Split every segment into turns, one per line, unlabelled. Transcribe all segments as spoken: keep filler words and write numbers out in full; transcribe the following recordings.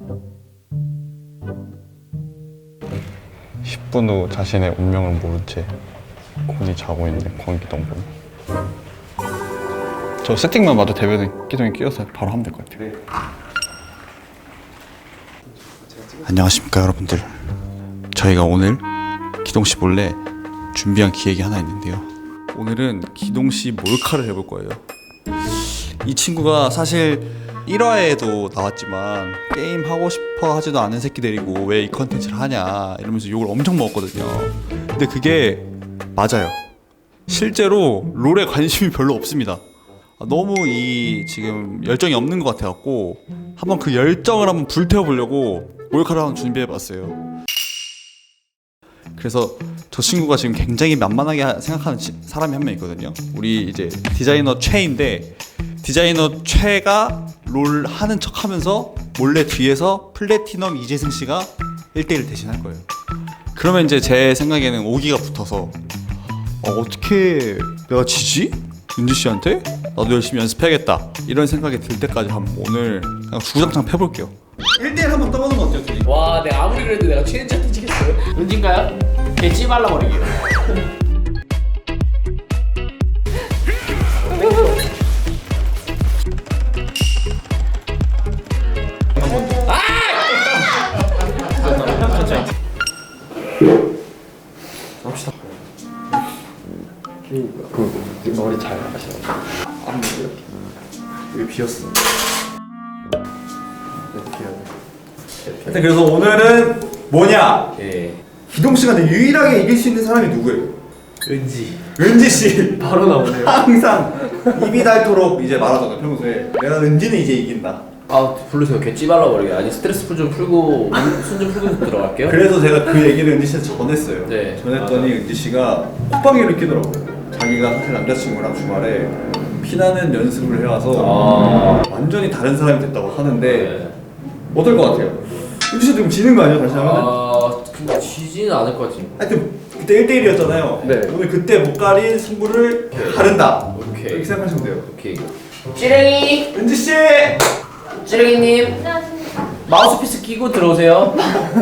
십 분 후 자신의 운명을 모른 채 곤히 자고 있는 권기동군. 저 세팅만 봐도 대변에 기둥이 끼어서 바로 하면 될 것 같아요. 안녕하십니까 여러분들. 저희가 오늘 기동씨 몰래 준비한 기획이 하나 있는데요. 오늘은 기동씨 몰카를 해볼 거예요. 이 친구가 사실 일 화에도 나왔지만 게임 하고 싶어 하지도 않은 새끼들이고 왜 이 컨텐츠를 하냐 이러면서 욕을 엄청 먹었거든요. 근데 그게 맞아요. 실제로 롤에 관심이 별로 없습니다. 너무 이 지금 열정이 없는 것 같아갖고 한번 그 열정을 한번 불태워보려고 몰카를 한번 준비해봤어요. 그래서 저 친구가 지금 굉장히 만만하게 생각하는 사람이 한 명 있거든요. 우리 이제 디자이너 최인데 디자이너 최가 롤 하는 척 하면서 몰래 뒤에서 플래티넘 이재승 씨가 일 대일 대신할 거예요. 그러면 이제 제 생각에는 오기가 붙어서 어, 어떻게 내가 지지? 윤지 씨한테? 나도 열심히 연습해야겠다 이런 생각이 들 때까지 한번 오늘 그냥 주구장창 펴볼게요. 일 대일 한번 떠보는 거 어때요? 둘이?
와, 내가 아무리 그래도 내가 최인지한테 지겠어요? 은진가요? 걔 찌발라버리기.
합시다. 그 머리 잘 하시라고. 안 보여. 여기 비었어.
하여튼 그래서 오늘은 뭐냐?
예.
기동 씨가 유일하게 이길 수 있는 사람이 누구예요?
은지.
은지 씨.
바로 나오네요.
항상 입이 닳도록 이제 말하잖아 평소에. 내가 은지는 이제 이긴다.
아, 부르세요. 걔 찌발라버리기. 아니, 스트레스 풀 좀 풀고 순 좀 풀고 들어갈게요.
그래서 제가 그 얘기를 은지 씨한테 전했어요.
네.
전했더니 은지 씨가 콧방귀를 끼더라고요. 자기가 사실 남자친구랑 주말에 피나는 연습을 해와서
아.
완전히 다른 사람이 됐다고 하는데
네.
어떨 것 같아요? 은지 씨 좀 지는 거 아니야 다시 하면은?
아, 근데 지지는 않을 것 같지.
하여튼 그때 일 대 일이었잖아요.
네.
오늘 그때 못 가린 승부를 가른다.
오케이.
이렇게 생각하시면 돼요.
오케이. 찌랭이!
은지 씨!
찌랭이님!
안녕하십니까.
마우스피스 끼고 들어오세요.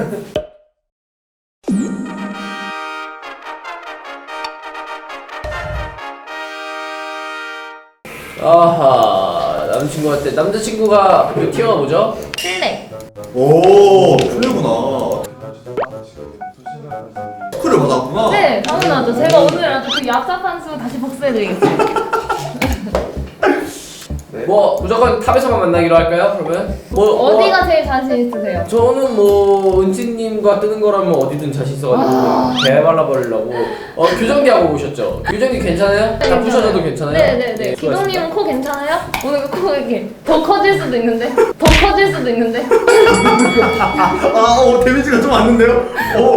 아하, 남자친구한테 남자친구가 그 티어가 뭐죠?
플레.
오, 플레구나. 스쿨을 받았구나.
네, 당연하죠. 제가 오늘 아주 그 얍삽한 수 다시 복수해드리겠습니다.
뭐 무조건 탑에서만 만나기로 할까요? 그러면 뭐
어디가
뭐,
제일 자신 있으세요?
저는 뭐 은지님과 뜨는 거라면 어디든 자신 있어가지고
아.
개발라 버리려고. 어, 규정기 하고 오셨죠? 규정기 괜찮아요? 다 부셔져도 괜찮아요?
네네네.
네,
기동님은 코 괜찮아요? 오늘 코 이렇게 더 커질 수도 있는데, 더 커질 수도 있는데.
아, 어, 데미지가 좀 왔는데요? 어.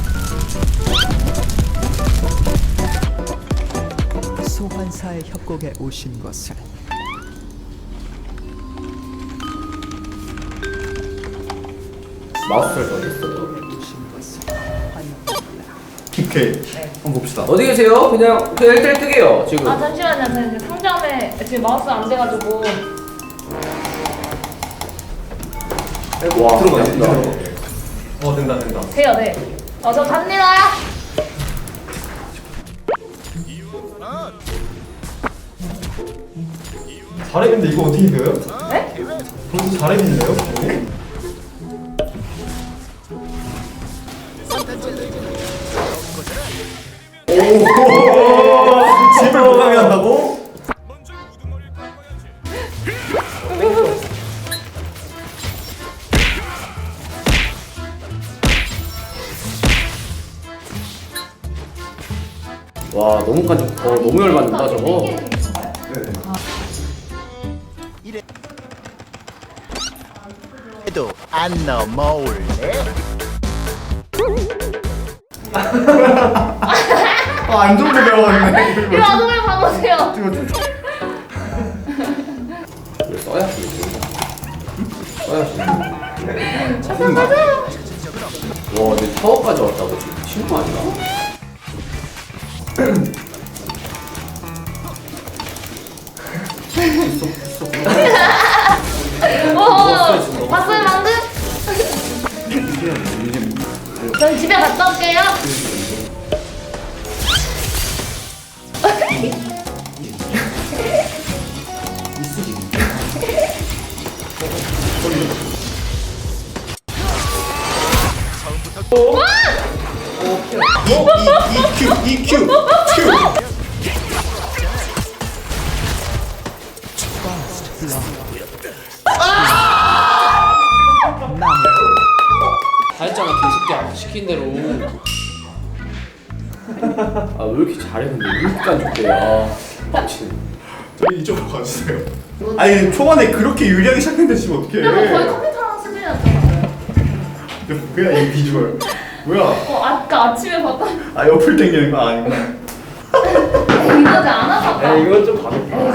소환사의 협곡에 오신 것을
마우스 설정 어디 있어요?
오신 것을 환영합니다.
오케이. 한번 봅시다.
어디 계세요? 그냥 그 일 대일 뜨게요 지금.
아 잠시만요. 저 이제 상점에 지금 마우스 안 돼가지고.
와,
들어가,
된다.
들어가.
어 된다 된다.
돼요, 네. 어, 저 갑니다.
잘했는데 이거 어떻게 이겨요?
네?
벌써 잘했는데요?
집을 못 가게 한다고?
와, 너무 간, 어, 너무 열받는다 저거.
해도 안 넘어올래?
아, 안 좋은 거 배워왔네.
이거 아동을 봐보세요.
이거 써야지. 써야지. 와, 근데 타워까지 왔다고 지금 미친 거 아니야?
오, 봤어요 방금? 전 집에 갔다 올게요.
이큐 이큐 큐.
다 했잖아 개새끼야 시킨 대로. 아 왜 이렇게 잘해 근데 왜 이렇게 안 좋대. 아 빡치네.
저희 이쪽으로 가주세요. 아니 초반에 그렇게 유리하게 시작했는데 지금 어떡해.
근데 뭐 거의 컴퓨터랑 수준이었잖아요.
뭐야 이 비주얼. 뭐야?
어 아까 아침에 봤다.
아 옆을 당기는 거 아닌가?
이거지 안 와봤다.
야 이건 좀 가볍다.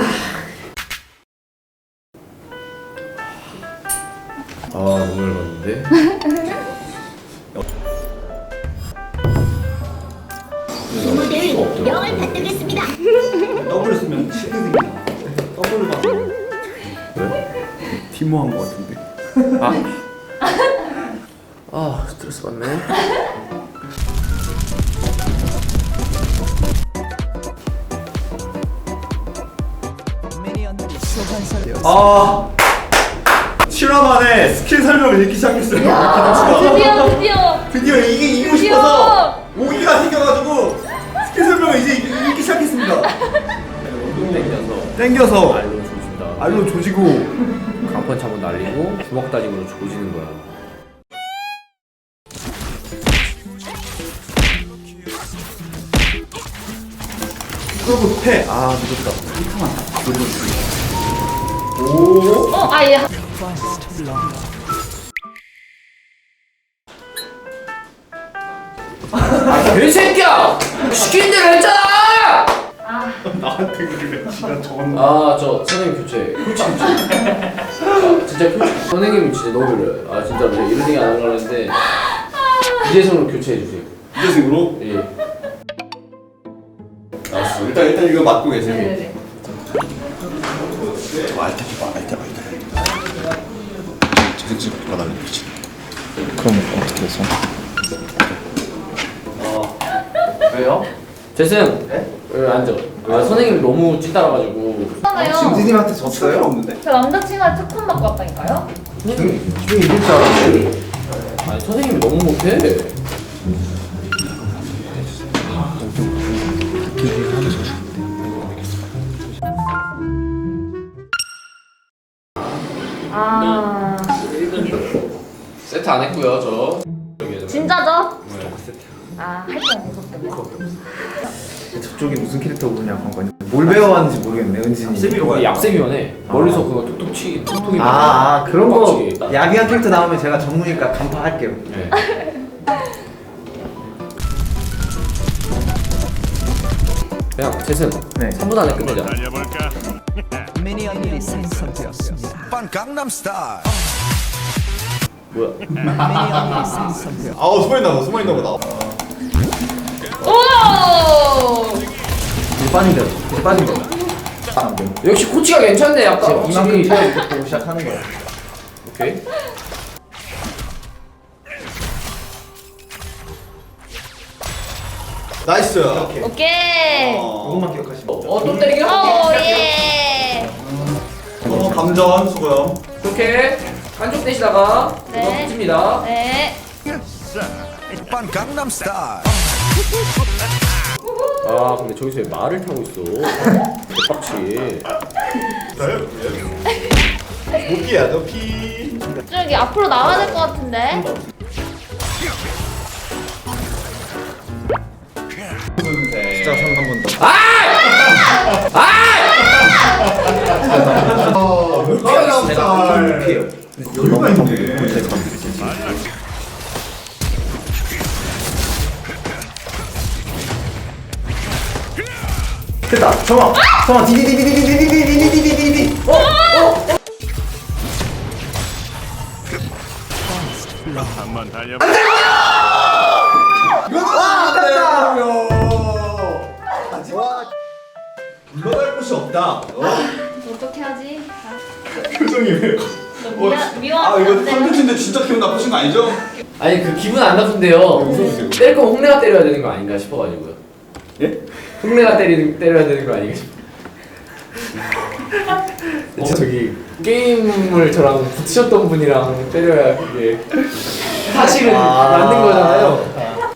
아 너무 열받는데.
명을 받들겠습니다.
더블 쓰면 치게 생긴다. 더블을 봐서. 왜? 티모한 거 같은데.
아. 아 스트레스 받네.
미니언들이 소환사되었습니다.
아 칠 화 만에 스킬 설명을 읽기 시작했어요. 기동씨가.
드디어 드디어.
드디어 이게 이기고
드디어!
싶어서 오기가 생겨가지고 스킬 설명을 이제 읽- 읽기 시작했습니다.
똥 땡겨서
땡겨서
알로 조진다.
알로 조지고
강펀치 한번 날리고 주먹 다짐으로 조지는 거야.
그러고 패. 아 늦었다. 이타만 돌려주고.
어 아예.
First blood.
아 개새끼야! 시킨 대로 했잖아!
나한테 그래. 지가 저건.
아저 선생님 교체. 교체 교체. 아, 진짜 교체. 선생님이 진짜 너무 별로요. 아 진짜 이런 얘기 안 하려고 했는데 이재성으로 교체해 주세요.
이재승으로.
예.
알았어. 일단 일단 이거 맡고 계세요.
네네네.
알테 봐 알테 봐 알테. 재생식 받아내는 거지.
그럼 어떻게 해서?
왜요? 재승. 네? 왜 앉아? 아 선생님 너무 찌따라가지고.
괜찮아요.
진진님한테 졌어요?
없는데?
저 남자친구한테 특훈 받고 왔다니까요.
선생님.
기분이 이길 줄 알았는데.
아니 선생님이 너무 못해.
아
세트 안 했고요 저.
진짜죠?
네.
아 할게 없었겠네.
저쪽이 무슨 캐릭터 보냐고 한 거니? 뭘 배워왔는지 모르겠네 은진이.
세미로 가요.
약세미원에 멀리서 그거 톡톡 치 톡톡이.
아, 아 그런 거
빡치게.
야비한 캐릭터 나오면 제가 전문이니까 간파할게요.
네. 그냥 재승.
네.
삼 분 안에 끝내자.
미니언들이 생성되었습니다.
뭐야?
미니언들이 생성되었습니다.
아우 숨어 있나 봐. 숨어 있나 보다.
오.
물 빠진 대로. 물 빠진 대로. 아, 네.
역시 코치가 괜찮네 약간.
이만큼
확실히.
차이 보고 시작하는 거야.
오케이.
나이스.
오케이.
그것만 기억하시면 돼요.
어또 때리기?
오 예.
어 감전 수고요.
이렇게 한쪽 대시다가
네.
이거 붙입니다.
네.
아 근데 저기서 왜 말을 타고 있어? 대박치.
높이야 높이.
저기 앞으로 나와야 될 것 같은데.
진짜 손 한 번 더.
아
높이에요.
여유가 있네.
됐다. 정아. 정아 디디디디디디디디디디디디디. 어? 어?
물러날 곳이 없다. 어?
어떻게 하지? 아,
표정이 왜?
너 미안
아
미워하면
이거
안 돼요.
컨텐츠인데 진짜 기분 나쁘신 거 아니죠?
아니 그 기분 안 나쁜데요. 때릴 거면 홍래가 때려야 되는 거 아닌가 싶어가지고요.
예?
홍래가 때리는 때려야 되는 거 아닌가 싶어. 어, 저기 게임을 저랑 붙으셨던 분이랑 때려야 그게 사실은 맞는 거잖아요.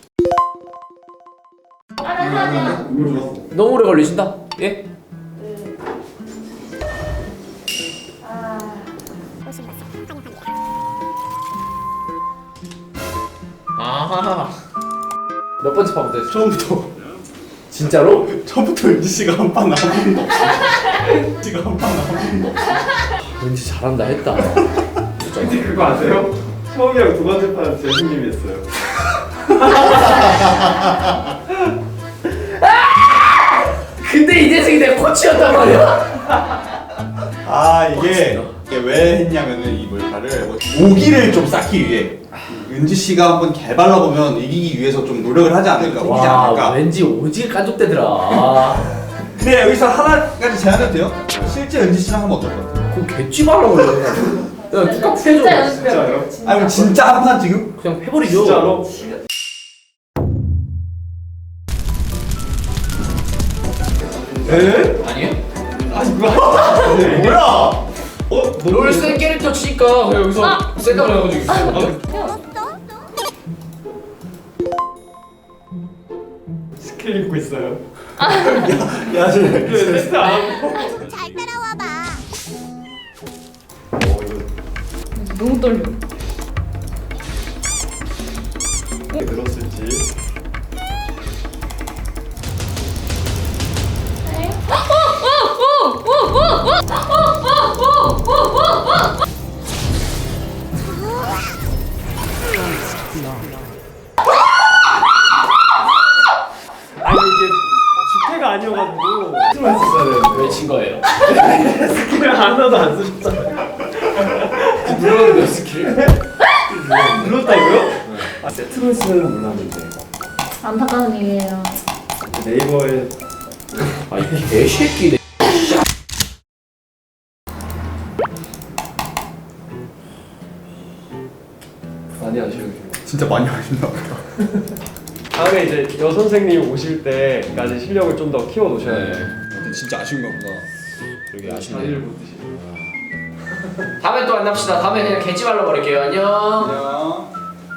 아, 잠시만요.
너무 오래 걸리신다. 예? 아. 몇 번째 판부터 했어?
처음부터
진짜로?
처음부터 은지 씨가 한 판 나온 분도 없어. 은지가 한 판 나온 분도 없어.
왠지 잘한다 했다.
근데 그거 아세요? 처음이랑 두 번째 판 재승님이 했어요.
근데 이재승이 내 코치였단 말이야.
아 이게, 이게 왜 했냐면은 이 몰카를 오기를 좀 쌓기 위해 은지 씨가 한번 개발라 보면 이기기 위해서 좀 노력을 하지 않을까, 이기지
와,
않을까.
왠지 오지게 깐족대더라. 아,
근데 여기서 하나까지 제안해도 돼요? 실제 은지 씨랑 하면 어떨 것 같아요?
그거 개쥐 말라고 그래. 야, 누가
진짜
해줘.
연습해요.
아니 그럼 진짜 한 판 지금?
그냥 해버리죠.
진짜로? 에?
아니에요?
아니 그거
뭐야?
어?
롤센 캐릭터 치니까 그냥 여기서
아!
셀카를 해가지고 있어요.
스킬 입고 있어요.
야 저
테스트 안 하고.
잘 따라와봐.
너무 떨려.
어떻게 들었을지. 아니 이게 집회가 아니어가지고 스킬만 했었어야 되는데
왜 친 거예요?
스킬을 하나도 안 쓰셨잖아요.
눌렀는데 스킬.
눌렀다고요? 아 세트로스는 몰랐는데
안타까운 일이에요.
네이버에
아, 이 개새끼네.
많이 아쉬워요.
진짜 많이 하신다 보다.
다음에 이제 여 선생님 오실 때까지 실력을 좀 더 키워 놓으셔야 돼요.
근데 진짜 아쉬운가 보다.
여기 아쉽네.
자리를 못 드시고.
다음에 또 만납시다. 다음에 그냥 개찌 말로 버릴게요. 안녕.
안녕.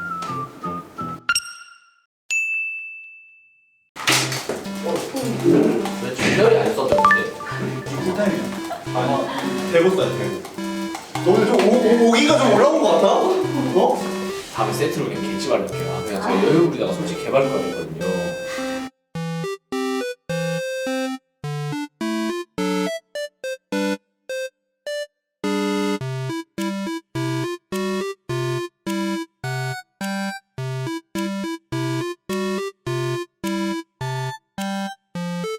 왜 준열이 안 써졌는데?
쿨타임이야. 아니 대고 써야 돼. 너 오늘 좀 오, 오, 오기가 좀 올라온 것 같아? 어?
다음에 세트로 그냥 개찌 말로 할게요. 아, 그냥 제가 여유 부리다가 솔직히 개발과였거든요.